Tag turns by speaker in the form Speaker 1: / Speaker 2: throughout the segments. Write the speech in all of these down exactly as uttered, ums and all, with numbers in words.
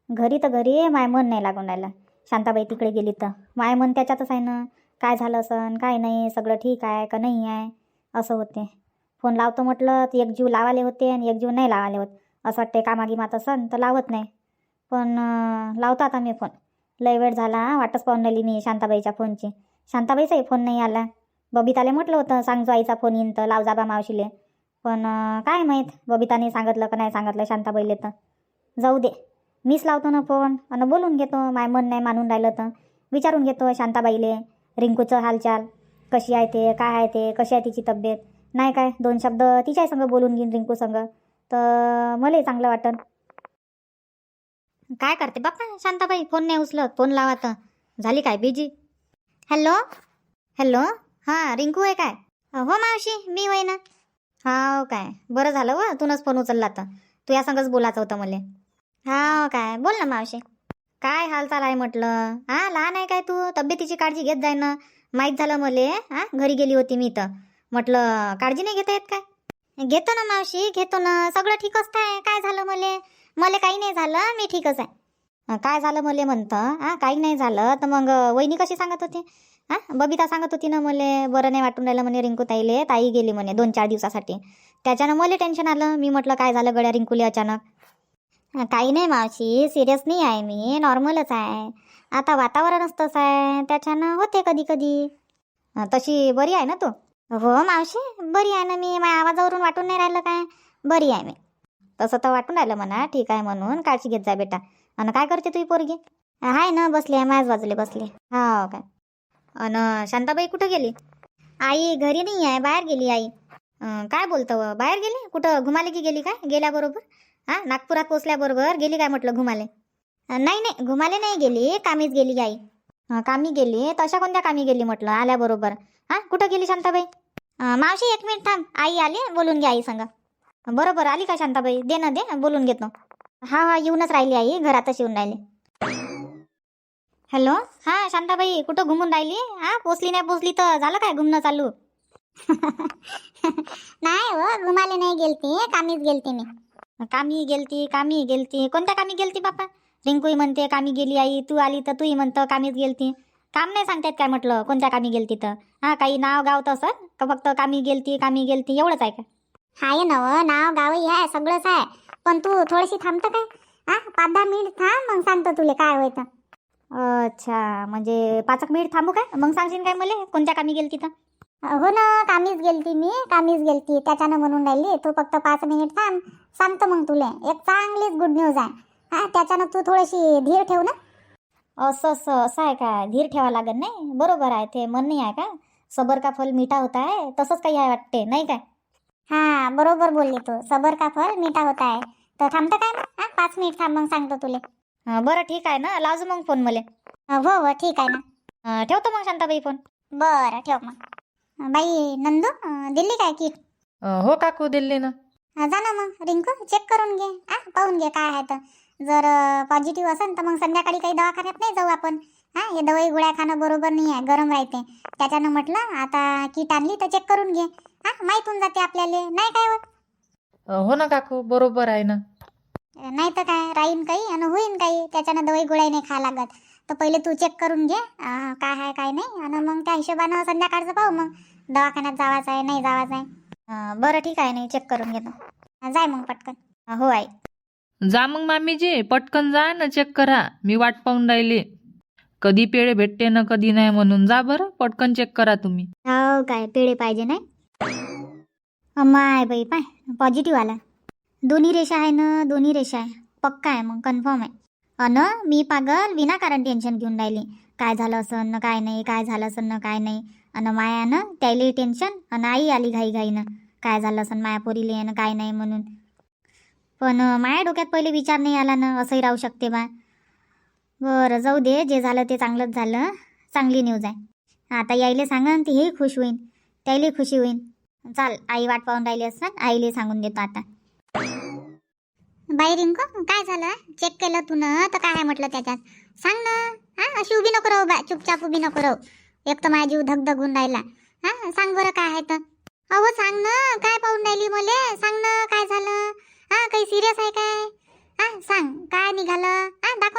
Speaker 1: घरी तर घरी माय मन नाही लागून राहिलं. शांताबाई तिकडे गेली तर माय मन त्याच्यातच आहे ना. काय झालं असन काय नाही, सगळं ठीक आहे का नाही आहे असं होते. फोन लावतो म्हटलं तर एक जीव लावाले होते आणि एक जीव नाही लावाले होत. असं वाटते कामागी मात असन तर लावत नाही. पण लावतो आता मी फोन. लय वेळ झाला वाटच पाहून राहिली मी शांताबाईच्या फोनची. शांताबाईचाही फोन नाही आला. बबिताले म्हटलं होतं सांगजो आईचा फोन येईन तर लाव जाबा मावशीले. पण काय माहीत बबिताने सांगितलं का नाही सांगितलं शांताबाईले. तर जाऊ दे, मीच लावतो ना फोन आणि बोलून घेतो. माय मन नाही मानून राहिलं तर विचारून घेतो शांताबाईले रिंकूचं हालचाल कशी आहे, ते काय आहे, ते कशी आहे तिची तब्येत. नाही काय दोन शब्द तिच्याही संग बोलून घेईन रिंकू संग तर मलाही चांगलं वाटन. काय करते बाप्पा शांताबाई, फोन नाही उचलत. फोन लावा तर झाली काय बिजी. हॅलो हॅलो, हां रिंकू आहे काय? हो मावशी मी होय ना. हा काय बरं झालं व तूनच फोन उचलला. तर तू या संगच बोलायचं होतं मला. हा काय बोल ना मावशी. काय हालचाल आहे म्हटलं. हा लहान आहे काय तू, तब्येतीची काळजी घेत जाय ना. माहीत झालं मले हा घरी गेली होती मी तर म्हटलं काळजी नाही घेता येत काय. घेतो ना मावशी घेतो ना, सगळं ठीकच आहे. काय झालं मले मले काही नाही झालं, मी ठीकच आहे. काय झालं मले म्हणतं हा काही नाही झालं तर मग वहिनी कशी सांगत होती. हा बबिता सांगत होती ना मले बरं नाही वाटून राहिलं म्हणे रिंकू ताईले, ताई गेली म्हणे दोन चार दिवसासाठी. त्याच्यानं मला टेन्शन आलं. मी म्हटलं काय झालं गड्या रिंकूले अचानक. काही नाही मावशी सिरियस नाही आहे मी, नॉर्मलच आहे. आता वातावरणच तसं आहे त्याच्यानं होते कधी कधी. तशी बरी आहे ना तू? हो मावशी बरी आहे ना मी. माझ्या आवाजावरून वाटून नाही राहिलं काय, बरी आहे मी. तसं तर वाटून राहिलं म्हणा ठीक आहे म्हणून. काळजी घेत जा बेटा. आणि काय करते तुझी पोरगी? आहे ना बसली आहे माझ्याच बाजूला बसली. हो काय. अन शांताबाई कुठं गेली? आई घरी नाही आहे, बाहेर गेली आई. अं, काय बोलतो व? बाहेर गेली कुठं घुमाले की गेली काय गेल्याबरोबर? हा नागपुरात पोचल्याबरोबर गेली काय म्हटलं घुमाले? अं, नाही नाही घुमाले नाही गेली, कामीच गेली आई. अं, कामी गेली तशा कोणत्या कामी गेली म्हटलं आल्याबरोबर. हा कुठं गेली शांताबाई? अं, मावशी एक मिनिट थांब, आई आली बोलून घ्या आई सांगा. बरोबर आली का शांताबाई? दे ना दे बोलून घेतो. हा हा येऊनच राहिली आई, घरातच येऊन राहिली. हॅलो हा शांताबाई कुठं घुमून राहिली? हा पोचली नाही पोचली तर झालं काय घुमणं चालू? नाही हो घुमाले नाही गेलती, कामीच गेलती मी. कामी गेलती कामी गेलती कोणत्या कामी गेलती बापा? रिंकूही म्हणते कामी गेली आई, तू आली तर तूही म्हणतं कामीच गेलती. काम नाही सांगतायत काय म्हटलं कोणत्या कामी गेलती तर? हा काही नाव गाव तसं का फक्त कामी गेलती कामी गेलती एवढंच आहे का? हाय ना व नाव गावही आहे सगळंच आहे. पण तू थोडीशी थांबतं काय? हा पाच दहा मिनिट थांब मग सांगतो तुला काय होय तर. अच्छा म्हणजे पाच एक मिनिट थांबू काय मग सांगशील काय मला कोणत्या कामी गेलती तर? हो ना कामीच गेलती मी, कामीच गेलती त्याच्यानं म्हणून राहिली. तू फक्त पाच मिनिट थांब सांगतो मग तुला. एक चांगलीच गुड न्यूज आहे. हा त्याच्यानं तू थोडीशी धीर ठेव ना. असं असं असं आहे काय? धीर ठेवा लागेल नाही. बरोबर आहे ते मन नाही आहे का सबर का फल मीठा होता आहे, तसंच काही आहे वाटते नाही काय? हा बरोबर बोलली तू, सबर का फल मीठा होता आहे. तर थांबतं काय मग? हा पाच मिनिट थांब मग सांगतो तुला. बरं ठीक आहे ना, लावजो मग फोन मला. हो हो ठीक आहे ना. ठेवतो मग शांताबाई फोन. बरं ठेव मग. बाई नंदू दिल्ली काय की?
Speaker 2: हो काकू दिल्ली ना.
Speaker 1: जा ना मग रिंकू चेक करून घे. आ पाहून घे काय आहे तर. जर पॉझिटिव्ह असेल तर मग संध्याकाळी काही दवाखान्यात नाही जाऊ आपण. हा हे दवाई गोळ्या खाणं बरोबर नाही आहे, गरम राहते. त्याच्यानं म्हटलं आता किट आणली तर चेक करून घे. हा माहीत होऊन जाते आपल्याला नाही काय होत.
Speaker 2: हो ना काकू बरोबर आहे ना.
Speaker 1: नाही तर काय राहीन काही आणि होईन काही, त्याच्यानं दवाई गोळ्या नाही खा लागत. तर पहिले तू चेक करून घे काय आहे काय नाही, आणि मग त्या हिशोबानं संध्याकाळचं पाहू मग दवाखान्यात जावाचं आहे नाही जावाचं आहे. बरं ठीक आहे नाही चेक करून घेतो. जाय मग पटकन. हो आई.
Speaker 2: जा मग मामीजी पटकन जा ना चेक करा, मी वाट पाहून राहिली. कधी पेढे भेटते ना कधी नाही म्हणून जा बरं पटकन चेक करा तुम्ही.
Speaker 1: हो काय पेढे पाहिजे नाही? माय बाई पाय पॉझिटिव्ह आला. दोन्ही रेषा आहे ना, दोन्ही रेषा आहे पक्का आहे मग कन्फर्म आहे. अन मी पागल विनाकारण टेन्शन घेऊन राहिली. काय झालं असं ना काय नाही, काय झालं असं ना काय नाही. अन माया ना त्याला टेन्शन आणि आई आली घाई घाईनं काय झालं असं माया पोरीले ना काय नाही म्हणून. पण माया डोक्यात पहिले विचार नाही आला ना असंही राहू शकते बा. बरं जाऊ दे, जे झालं ते चांगलंच झालं. चांगली न्यूज आहे. आता यायले सांगन ती हेही खुश होईन, त्याला खुशी होईन. चाल आई वाट पाहून राहिली असं आईले सांगून देतो आता. बाई रिंकू काय झालं? चेक केलं तू ना तर काय आहे म्हटलं त्याच्यात सांग ना. हा अशी उभी नको राहू बा, चुपचाप उभी नको राहू. एक तर माझा जीव धगधग होऊन राहिला. हा सांग बरं काय आहे तर. अहो सांग ना काय पाहून राहिली मले, सांग ना काय झालं. हा काही सिरियस आहे काय? हा सांग काय निघालं. हा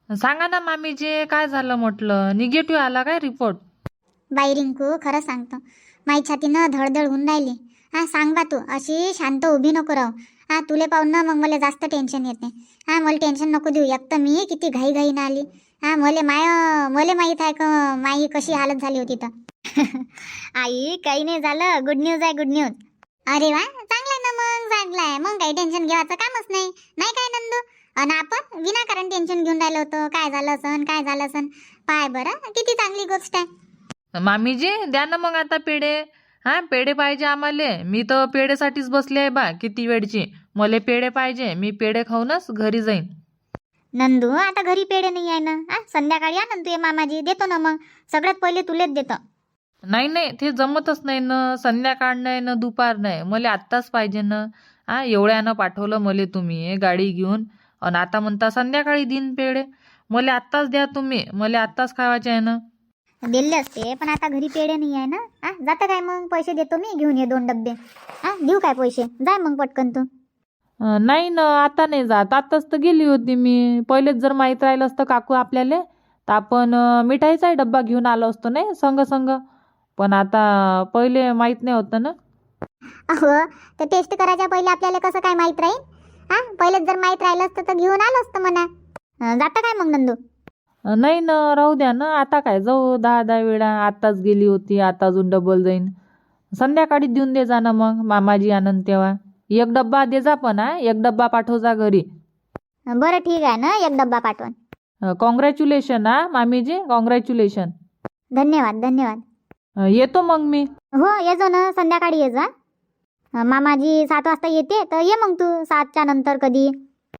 Speaker 2: सांगा ना मामीजी, काय झालं म्हटलं? निगेटिव्ह आला काय रिपोर्ट?
Speaker 1: बाई रिंकू, खरं सांगतो, माझी छाती न धडधड होऊन राहिली. हा सांग बा, तू अशी शांत उभी नको राहू. हा तुले पाहून ना मग मला जास्त टेन्शन येते. हा मला टेन्शन नको देऊ. एक तर मी किती घाई घाईनं आली. हा मले माय मले माहीत आहे का माई कशी हालत झाली होती तर. आई काही नाही झालं, गुड न्यूज आहे, गुड न्यूज. अरे वा, चांगलं आहे ना मग, चांगलं आहे मग, काही टेन्शन घ्यायचं कामच नाही. नाही काय नंदू? अन आपण विनाकारण टेन्शन घेऊन राहिलो होतो, काय झालं असन काय झालं असन. पाय बरं, किती चांगली गोष्ट आहे.
Speaker 2: मामीजी द्या ना मग आता पेढे. हा पेढे पाहिजे आम्हाला. मी तर पेढेसाठीच बसली आहे बा किती वेळची. मला पेढे पाहिजे, मी पेढे खाऊनच घरी जाईन.
Speaker 1: नंदू, आता घरी पेढे नाही आहे ना. आ संध्याकाळी आणून तू ये मामाजी, देतो ना मग. सगळ्यात पहिले तुलेच देतो.
Speaker 2: नाही नाही, ते जमतच नाही ना. संध्याकाळ नाही ना दुपार नाही, मला आत्ताच पाहिजे ना. हा एवढ्यानं पाठवलं मला तुम्ही गाडी घेऊन, आणि आता म्हणता संध्याकाळी दिन पेढे. मला आत्ताच द्या तुम्ही, मला आत्ताच खावायचे आहे ना.
Speaker 1: दिले असते पण आता घरी पेढे नाही आहे ना. आ जातं काय मग, पैसे देतो मी, घेऊन ये दोन डब्बे. आ देऊ काय पैसे? जाय मग पटकन तू.
Speaker 2: अं, नाही ना, आता नाही जात. आत्ताच तर गेली होती मी. पहिलेच जर माहीत राहिलं असतं काकू आपल्याला, तर आपण अं, मिठाईचाही डब्बा घेऊन आलो असतो नाही संग संग. पण आता पहिले माहीत नाही होतं ना.
Speaker 1: अहो, ते टेस्ट करायच्या पहिले आपल्याला कसं काय माहीत राहील? हा पहिलेच जर माहीत राहिलं असतं तर घेऊन आलो असतं म्हणा. अं, जातं काय मग नंदू?
Speaker 2: अं, नाही ना, राहू द्या ना. आता काय जाऊ दहा दहा वेळा. आत्ताच गेली होती, आता अजून डबल जाईन. संध्याकाळी देऊन दे जा ना मग, मामाजी आनंद तेव्हा. एक डब्बा दे जा, पण हा एक डब्बा पाठव जा घरी.
Speaker 1: बरं ठीक आहे ना, एक डब्बा पाठवून.
Speaker 2: कॉंग्रॅच्युलेशन हा मामीजी, कॉंग्रॅच्युलेशन.
Speaker 1: धन्यवाद धन्यवाद.
Speaker 2: येतो मग मी.
Speaker 1: हो ये जो ना, संध्याकाळी ये जा. अं, मामाजी सात वाजता येते तर ये मग तू सातच्या नंतर कधी.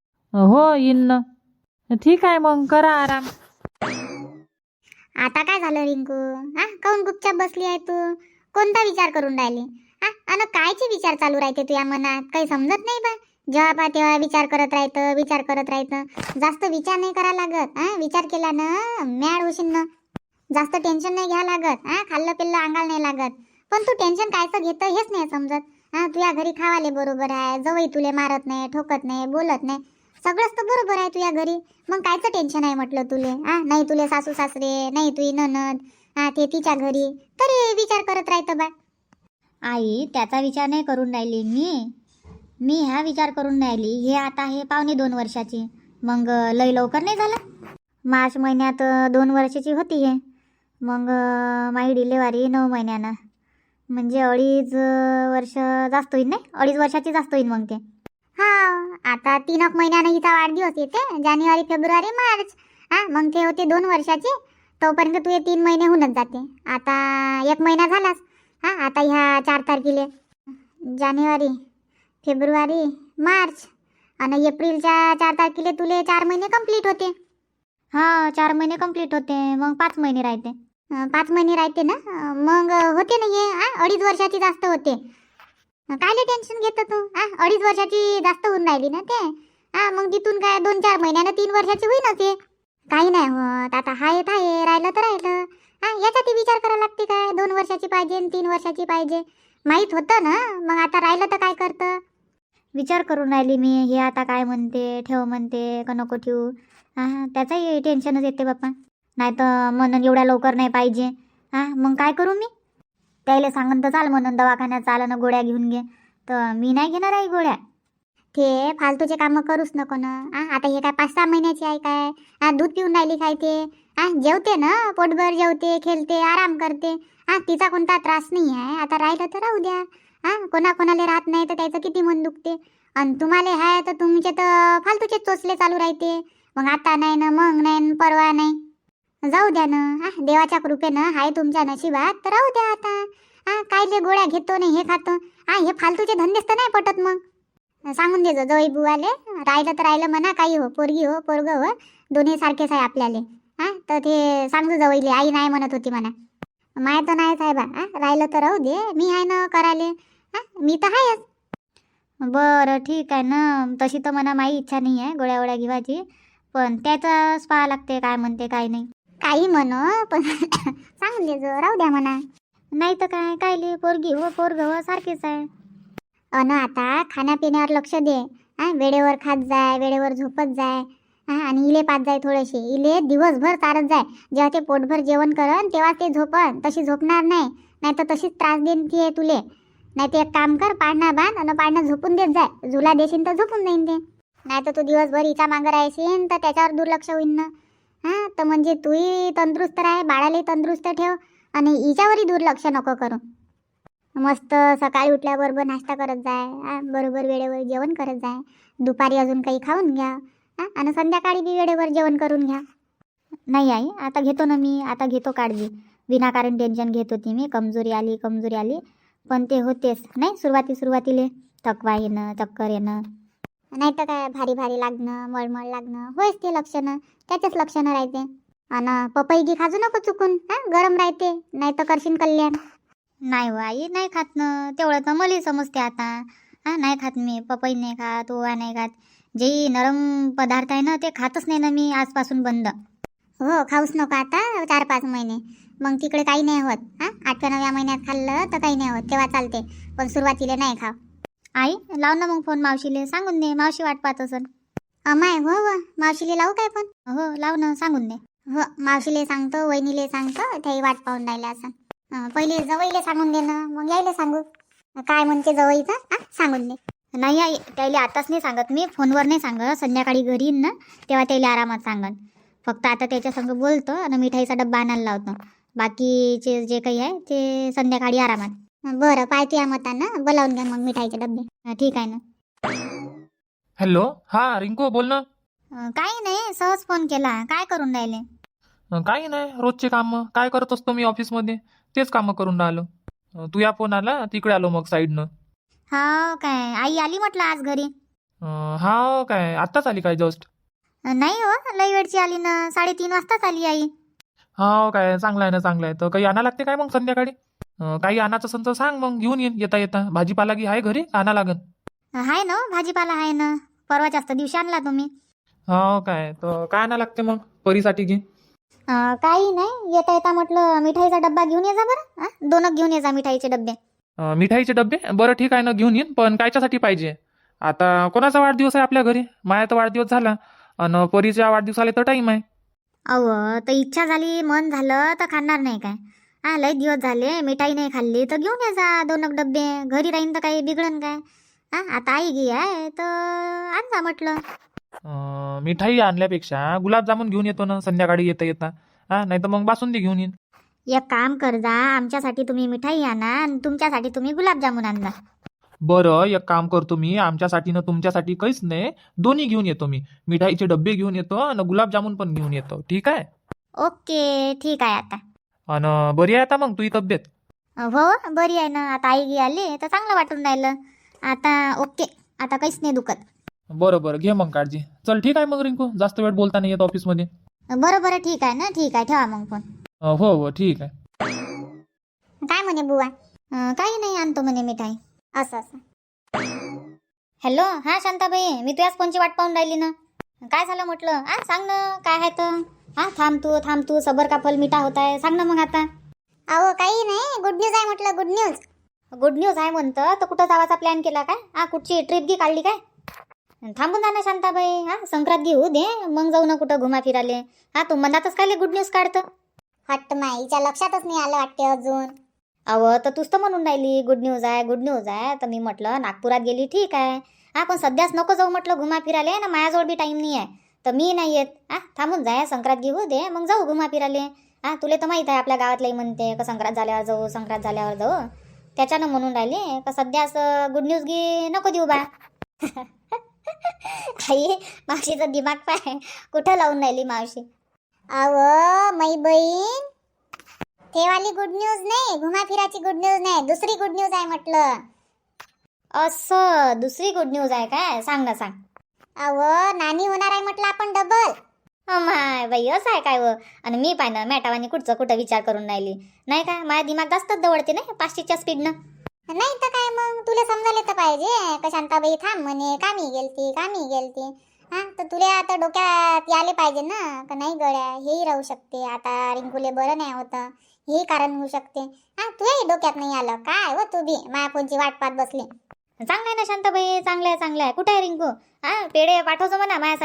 Speaker 2: हो येईन ना. ठीक आहे मग, करा आराम.
Speaker 1: आता काय झालं रिंकू? हा काऊन गुपचाप बसली आहे तू? कोणता विचार करून राहिली? हा अन कायचे विचार चालू राहते तुझ्या मनात? काही समजत नाही बा. जेव्हा पा तेव्हा विचार करत राहतं, विचार करत राहतं. जास्त विचार नाही करा लागत. हा विचार केला ना मॅड होशील ना. जास्त टेन्शन नाही घ्या लागत. हा खाल्लं पिल्लं अंगाला नाही लागत. पण तू टेन्शन कायचं घेतं हेच नाही समजत. हा तुझ्या घरी खावाले बरोबर आहे, जवळ तुले मारत नाही, ठोकत नाही, बोलत नाही, सगळंच तर बरोबर आहे तुझ्या घरी. मग कायचं टेन्शन आहे म्हटलं तुले? हा नाही तुले सासू सासरे, नाही तुझी ननद, हा ते तिच्या घरी, तरी विचार करत राहतं बा. आई त्याचा विचार नाही करून राहिली मी. मी हा विचार करून राहिली, हे आता हे पावणे दोन वर्षाची. मग लय लवकर नाही झालं. मार्च महिन्यात दोन वर्षाची होती हे. मग माझी डिलेवरी नऊ महिन्यानं, म्हणजे अडीच वर्ष जास्त होईल नाही, अडीच वर्षाची जास्त होईल मग ते. हा आता तीन एक महिन्यानं हिचा वाढदिवस येते, जानेवारी फेब्रुवारी मार्च. हा मग ते होते दोन वर्षाचे. तोपर्यंत तुझे तीन महिने होऊनच जाते. आता एक महिना झालास. हा आता ह्या चार तारखेला जानेवारी फेब्रुवारी मार्च आणि एप्रिलच्या चार तारखेला तुले चार महिने कंप्लीट होते. हा चार महिने कंप्लीट होते, मग पाच महिने राहते. अं, पाच महिने राहते ना, अं, मग होते ना हे. हा अडीच वर्षाची जास्त होते. कायले टेन्शन घेतं तू? हा अडीच वर्षाची जास्त होऊन राहिली ना ते. हा मग तिथून काय दोन चार महिन्यानं तीन वर्षाची होईन ते. काही नाही होत. आता हाय आहे, राहिलं तर राहिलं. हा याच्यात विचार करायला लागते काय? दोन वर्षाची पाहिजे आणि तीन वर्षाची पाहिजे, माहीत होतं ना. मग आता राहिलं तर काय करतं? विचार करून राहिली मी, हे आता काय म्हणते, ठेव म्हणते का नको ठेवू. हा त्याचाही टेन्शनच येते बाप्पा. नाही तर म्हणून एवढ्या लवकर नाही पाहिजे. हा मग काय करू मी? त्याला सांगन तर चाल म्हणून दवाखान्यात चाल ना, गोळ्या घेऊन घे. तर मी नाही घेणार आहे गोळ्या. ते फालतूचे कामं करूच नको ना. आ आता हे काय पाच सहा महिन्याची आहे काय? हा दूध पिऊन राहिली काय ते? हा जेवते ना, पोटभर जेवते, खेळते, आराम करते. हा तिचा कोणता त्रास नाही आहे. आता राहिलं तर राहू द्या. हा कोणा कोणाला राहत नाही तर त्याचं किती मन दुखते. आणि तुम्हाला आहे तर तुमचे तर फालतूचे चोचले चालू राहते. मग आता नाही ना, मग नाही न परवा नाही. जाऊ द्या ना. हा देवाच्या कृपेनं हाय तुमच्या नशिबात तर राहू द्या आता. हा कायले गोळ्या घेतो नाही हे खातो. हा हे फालतूचे धंदेच तर नाही पटत. मग सांगून देजो जवळ बुवाले, राहिलं तर राहिलं म्हणा, काही हो पोरगी हो पोरग हो दोन्ही सारखेच आहे आपल्याला. हा तर ते सांगतो जवळले, आई नाही म्हणत होती म्हणा. माय तर नाही साहेबा. हा राहिलं तर राहू दे, मी आहे ना करायले. हा मी तर आहेच. बरं ठीक आहे ना. तशी तर म्हणा माझी इच्छा नाही आहे गोळ्या गोळ्या घेवायची, पण त्याचाच पाहा लागते काय म्हणते काय नाही. काही म्हणो पण सांगून देजो राहू द्या म्हणा. नाही तर काय, कायले पोरगी हो पोरग हो सारखेच आहे. अन आता खाण्यापिण्यावर लक्ष दे. हा वेळेवर खात जाय, वेळेवर झोपत जाय.
Speaker 3: हा आणि इले पाच जाय थोडेसे, इले दिवसभर चारत जाय. जेव्हा ते पोटभर जेवण करन तेव्हा ते झोपन, तशी झोपणार नाही. नाही तर तशीच त्रास देईन ती तुले. नाही ते एक काम कर, पाळणा बांध आणि पाळणा झोपून देत जाय. झुला देशील तर झोपून जाईन ते. नाही तर तू दिवसभर हिच्या मागं राहशील तर त्याच्यावर दुर्लक्ष होईन ना. हा तर म्हणजे तूही तंदुरुस्त राह, बाळालाही तंदुरुस्त ठेव आणि हिच्यावरही दुर्लक्ष नको करू. मस्त सकाळी उठल्याबरोबर नाश्ता करत जाय, हा बरोबर वेळेवर जेवण करत जाय. दुपारी अजून काही खाऊन घ्या, हा आणि संध्याकाळी बी वेळेवर जेवण करून घ्या.
Speaker 1: नाही आई, आता घेतो ना मी, आता घेतो काळजी. विनाकारण टेन्शन घेत होती मी. कमजोरी आली कमजोरी आली पण ते होतेच नाही. सुरुवाती सुरुवातीले थकवा येणं, चक्कर येणं.
Speaker 3: नाही तर काय, भारी भारी लागणं, मळमळ लागणं, होयच ते लक्षणं. त्याच्याच लक्षणं राहते. आणि पपईगी खाजू नको चुकून, हा गरम राहते, नाही तर करशील कल्याण.
Speaker 1: नाही हो आई, नाही खात ना. तेवढं तर मलाही समजते आता. हा नाही खात मी, पपई नाही खात, ओवा नाही खात. जे नरम पदार्थ आहे ना ते खातच नाही ना मी आजपासून बंद.
Speaker 3: हो खाऊच नको आता चार पाच महिने, मग तिकडे काही नाही होत. हा आठव्या नवव्या महिन्यात खाल्लं तर काही नाही होत, तेव्हा चालते. पण सुरुवातीला नाही खाव.
Speaker 1: आई लाव ना मग फोन मावशीले, सांगून दे. मावशी वाट पाहत असन.
Speaker 3: अमाय हो हो, मावशीले लावू काय पण?
Speaker 1: हो लाव ना, सांगून दे.
Speaker 3: हो मावशीले सांगतो, वहिनीले सांगतो, त्याही वाट पाहून राहिल्या असं. अं, पहिले जवईले सांगून दे ना, मग यायले सांगू. काय म्हणते जवईचं, हा सांगून दे.
Speaker 1: नाही आई, त्याला आताच नाही सांगत मी, फोनवर नाही सांगत. संध्याकाळी घरी येईन ना तेव्हा त्याला आरामात सांगन. फक्त आता त्याच्या संग बोलतो आणि मिठाईचा डब्बा आणायला लावतो. बाकीचे जे काही आहे ते संध्याकाळी आरामात.
Speaker 3: बरं पाहतो या मतानं, बोलावून घ्या मग मिठाईचे डब्बे.
Speaker 1: हा, ठीक आहे ना.
Speaker 2: हॅलो, हा रिंकू बोल ना.
Speaker 1: अं, काही नाही, सहज फोन केला. काय करून राहिले?
Speaker 2: अं, काही नाही, रोजचे काम काय करत असतो मी ऑफिसमध्ये, तेच कामं करून राहिलो. अं, तू या फोन आला, तिकडे आलो मग साईडनं.
Speaker 1: हा काय, आई आली म्हटलं आज घरी?
Speaker 2: अं, हा काय, आत्ताच आली काय जस्ट?
Speaker 1: नाही हो, लई वेळची आली ना, साडेतीन वाजताच आली आई.
Speaker 2: हा काय, चांगलं आहे ना, चांगलं आहे. तर काही आणा लागते काय मग संध्याकाळी? अं, काही आणायचं असेल तर सांग, मग घेऊन येईन येता येता. भाजीपाला की आहे घरी, आणा लागन.
Speaker 1: आहे ना हो, भाजीपाला आहे ना. परवा जास्त दिवशी आणला तुम्ही.
Speaker 2: हा काय, तर काय आणा लागते मग परीसाठी घे?
Speaker 1: अं, काही नाही, येता येता म्हटलं मिठाईचा डब्बा घेऊन ये जा बरं. हा, दोनच घेऊन ये जा मिठाईचे डब्बे.
Speaker 2: अं, मिठाईचे डब्बे बरं ठीक आहे ना, घेऊन येईन. पण कायच्यासाठी पाहिजे? आता कोणाचा वाढदिवस आहे आपल्या घरी? माझा तर वाढदिवस झाला आणि परीच्या वाढदिवसाला तर टाईम आहे.
Speaker 1: अहो तर इच्छा झाली, मन झालं तर खाणार नाही काय? हा लई दिवस झाले मिठाई नाही खाल्ली तर घेऊन ये जा दोन डब्बे. घरी राहीन तर काही बिघडन काय? हा आता आई गी आहे तर आण जा म्हटलं.
Speaker 2: अं, मिठाई आणल्यापेक्षा गुलाबजामुन घेऊन येतो ना संध्याकाळी येता येता. हा नाही तर मग बासुंदी घेऊन येईन.
Speaker 1: एक काम कर जा, आमच्यासाठी तुम्ही मिठाई आणा आणि तुमच्यासाठी तुम्ही गुलाबजामुन आणा.
Speaker 2: बरं एक काम करतो मी, आमच्यासाठी ना तुमच्यासाठी काहीच नाही, दोन्ही घेऊन येतो मी. मिठाईचे डब्बे घेऊन येतो आणि गुलाबजामुन पण घेऊन येतो, ठीक आहे?
Speaker 1: ओके ठीक आहे आता.
Speaker 2: आणि बरी आहे आता मग तुझी तब्येत?
Speaker 1: हो बरी आहे ना, आता आई गी आली तर चांगलं वाटून राहिलं. आता ओके, आता काहीच नाही दुखत.
Speaker 2: बरं बरं, घे मग काळजी. चल ठीक आहे मग रिंकू, जास्त वेळ बोलता नाही येत ऑफिसमध्ये.
Speaker 1: बरं बरं ठीक आहे ना, ठीक आहे, ठेवा मग फोन.
Speaker 2: अं, हो हो ठीक आहे.
Speaker 3: काय म्हणे बुवा?
Speaker 1: अं, काही नाही, आणतो म्हणे मिठाई.
Speaker 3: असं असं.
Speaker 1: हॅलो, हा शांताबाई, मी तुझ्याच फोनची वाट पाहून राहिली ना. काय झालं म्हटलं? हा सांग ना, काय आहे तर. हा थांब तू थांब तू, सबर का फल मिठा होता है, सांग ना मग आता.
Speaker 3: अहो काही नाही, गुड न्यूज आहे म्हटलं, गुड न्यूज.
Speaker 1: गुड न्यूज आहे म्हणतं तर कुठं जावाचा प्लॅन केला काय? हा कुठची ट्रिप गी काढली काय? थांबून जा ना शांताबाई, हा संक्रांत घेऊ दे मग जाऊ ना कुठं घुमा फिराले. हा तू मनातच काय गुड न्यूज काढतं?
Speaker 3: हट्ट माईच्या लक्षातच नाही आलं वाटते अजून.
Speaker 1: अव तर तूच तर म्हणून राहिली गुड न्यूज आहे गुड न्यूज आहे, तर मी म्हटलं नागपुरात गेली ठीक आहे. हा पण सध्याच नको जाऊ म्हटलं घुमा फिराले ना, माझ्याजवळ बी टाईम नाही आहे तर मी नाही येत. हा थांबून जाय, संक्रांत घेऊ दे मग जाऊ घुमा फिराले. हा तुला तर माहीत आहे आपल्या गावातलाही म्हणते का संक्रांत झाल्यावर जाऊ, संक्रांत झाल्यावर जाऊ. त्याच्यानं म्हणून राहिले का सध्याच गुड न्यूज गी नको देऊ बा. आई मावशीचा दिमाग पाय कुठं लावून राहिली मावशी.
Speaker 3: अहो मै बहीण, ते वाली गुड न्यूज नाही, घुमा फिराची गुड न्यूज नाही, दुसरी गुड न्यूज आहे म्हटलं.
Speaker 1: असं दुसरी गुड न्यूज आहे काय? सांग ना सांग.
Speaker 3: अहो नानी होणार आहे म्हटलं आपण डबल.
Speaker 1: माय बाई असं आहे काय व? आणि मी पाय ना मॅटावानी कुठचं कुठं विचार करून राहिली नाही काय? माझ्या दिमाग जास्तच दवडते नाही पाचशेच्या स्पीडनं.
Speaker 3: नाही तर काय मग, तुला समजायला तर पाहिजे का शांताबाई थांब म्हणे, कामी गेलती कामी गेलती. हा तर तुला आता डोक्यात याले पाहिजे ना का नाही गड्या हेही राहू शकते, आता रिंकूले बरं नाही होतं हेही कारण होऊ शकते. हा तुझ्याही डोक्यात नाही आलं काय व? तू बी माया फोनची वाट पाहत बसली.
Speaker 1: चांगलं आहे ना शांताबाई, चांगलं आहे चांगलं आहे. कुठे आहे रिंकू? हा पेढे पाठवतो म्हणा माझ्यासाठी.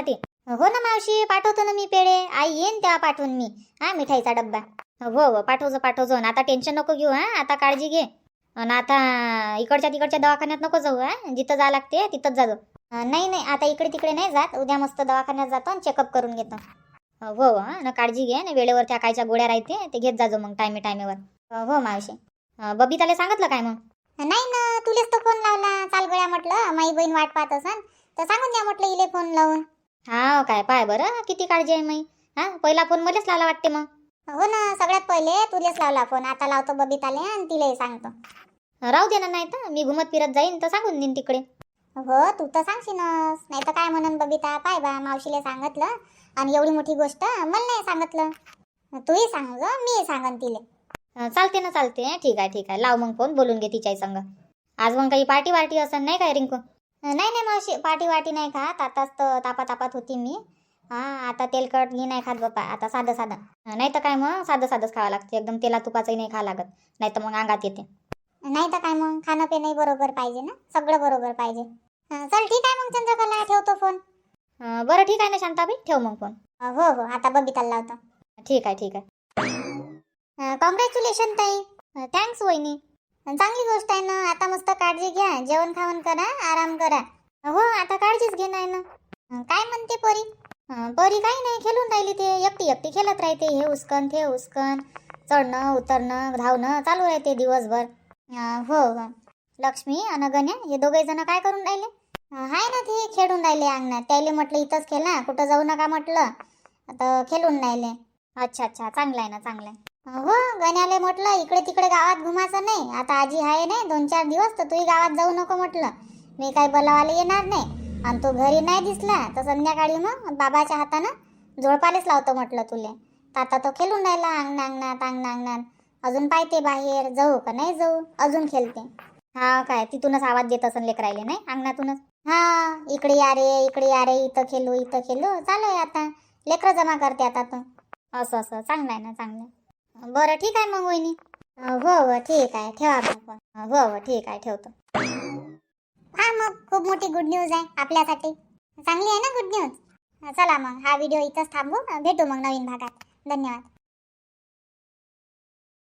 Speaker 1: हो ना मावशी, पाठवतो ना मी पेढे. आई येईन तेव्हा पाठवून मी हा मिठाईचा डब्बा. हो हो पाठवतो पाठवतो. आणि आता टेन्शन नको घेऊ हा, आता काळजी घे. आणि आता इकडच्या तिकडच्या दवाखान्यात नको जाऊ हा, जिथं जा लागते तिथंच जाजो. अं, नाही नाही आता इकडे तिकडे नाही जात. उद्या मस्त दवाखान्यात जातो आणि चेकअप करून घेतो. हो हो हा, ना काळजी घे. ना वेळेवर त्या कायच्या गोळ्या राहते ते घेत जाजो मग टायमे टायमेवर. हो मावशी. अं, बबिताला सांगितलं काय मग?
Speaker 3: नाही ना, तुलेच तर फोन लावला. चाल गड्या म्हटलं, माई बहीण वाट पाहत असन तर सांगून द्या म्हटलं इले फोन लावून.
Speaker 1: हा काय पाय बरं किती काळजी आहे माई. हा पहिला फोन मलाच लावला वाटते मग.
Speaker 3: हो ना, सगळ्यात पहिले तुलेच लावला फोन. आता लावतो बबिताले आणि तिलाही सांगतो.
Speaker 1: राहू दे ना, नाही तर मी घुमत फिरत जाईन तर सांगून देईन तिकडे.
Speaker 3: हो तू तर सांगशीनच, नाही तर काय म्हणन बबिता. पाय बा, मावशीला सांगितलं आणि एवढी मोठी गोष्ट मला नाही सांगितलं. तूही सांग ग, मी सांगन तिले.
Speaker 1: अं, चालते ना चालते. ठीक आहे ठीक आहे, लाव मग फोन, बोलून घे तिच्याही संग. आज मग काही पार्टी वार्टी असं नाही काय रिंकू?
Speaker 3: नाही नाही मावशी, पाटी वाटी नाही खात. आताच तर तापा तापात होती मी. हा आता तेलकट मी नाही खात बाप्पा. आता साधं साधं.
Speaker 1: नाही तर काय मग साधं साधंच खावं लागते. एकदम तेला तुपाचंही नाही खावं लागत, नाही तर मग अंगात येते.
Speaker 3: नाही तर काय मग, खाणं पिणंही बरोबर पाहिजे ना, सगळं बरोबर पाहिजे. हं, चल ठीक आहे मग चंद्रकला, ठेवतो फोन.
Speaker 1: अं, बरं ठीक आहे ना शांताबाई, ठेव मग फोन.
Speaker 3: हो हो आता बबिताला लावतो.
Speaker 1: ठीक आहे ठीक आहे.
Speaker 3: कॉंग्रॅच्युलेशन ताई.
Speaker 1: थँक्स वहिनी.
Speaker 3: चांगली गोष्ट आहे ना. आता मस्त काळजी घ्या, जेवण खावण करा, आराम करा.
Speaker 1: हो आता काळजीच घे नाही ना.
Speaker 3: हं, काय म्हणते पोरी?
Speaker 1: अं, बरी काही नाही, खेळून राहिली. ते एकटी एकटी खेळत राहते. हे उस्कन ते उस्कन, चढणं उतरणं धावणं चालू राहते दिवसभर.
Speaker 3: अं, हो हो.
Speaker 1: लक्ष्मी आणि गण्या हे दोघे जण काय करून राहिले?
Speaker 3: अं, हाय ना, ते खेळून राहिले अंगणात. त्याले म्हटलं इथंच खेळा, कुठं जाऊ नका म्हटलं. आता खेळून राहिले.
Speaker 1: अच्छा अच्छा, चांगलं आहे ना चांगलं आहे.
Speaker 3: हो गण्याले म्हटलं इकडे तिकडे गावात घुमाचं नाही. आता आजी आहे नाही दोन चार दिवस, तर तूही गावात जाऊ नको म्हटलं. मी काही बोलावाले येणार नाही. आणि तो घरी नाही दिसला तर संध्याकाळी मग बाबाच्या हातानं झोडपालेच लावतो म्हटलं तुले. तर आता तो खेळून राहिला अंगणा अंगणात अंगणा अंगणात. अजून पाहते बाहेर जाऊ का नाही जाऊ, अजून खेळते.
Speaker 1: हा काय तिथूनच आवाज देत असन लेकरायले नाही, अंगणातूनच.
Speaker 3: हा इकडे या रे इकडे या रे, इथं खेळू इथं खेळू चालू आहे. आता लेकरं जमा करते आता तो.
Speaker 1: असं असं, चांगलं आहे ना चांगलं आहे. बरं ठीक आहे मग वहिनी.
Speaker 3: हो हो ठीक आहे, ठेवा मग फोन.
Speaker 1: हो हो ठीक आहे, ठेवतो.
Speaker 3: हा मग खूप मोठी गुड न्यूज आहे आपल्यासाठी. चांगली आहे ना गुड न्यूज. चला मग हा व्हिडिओ इथंच थांबू. भेटू मग नवीन भागात. धन्यवाद.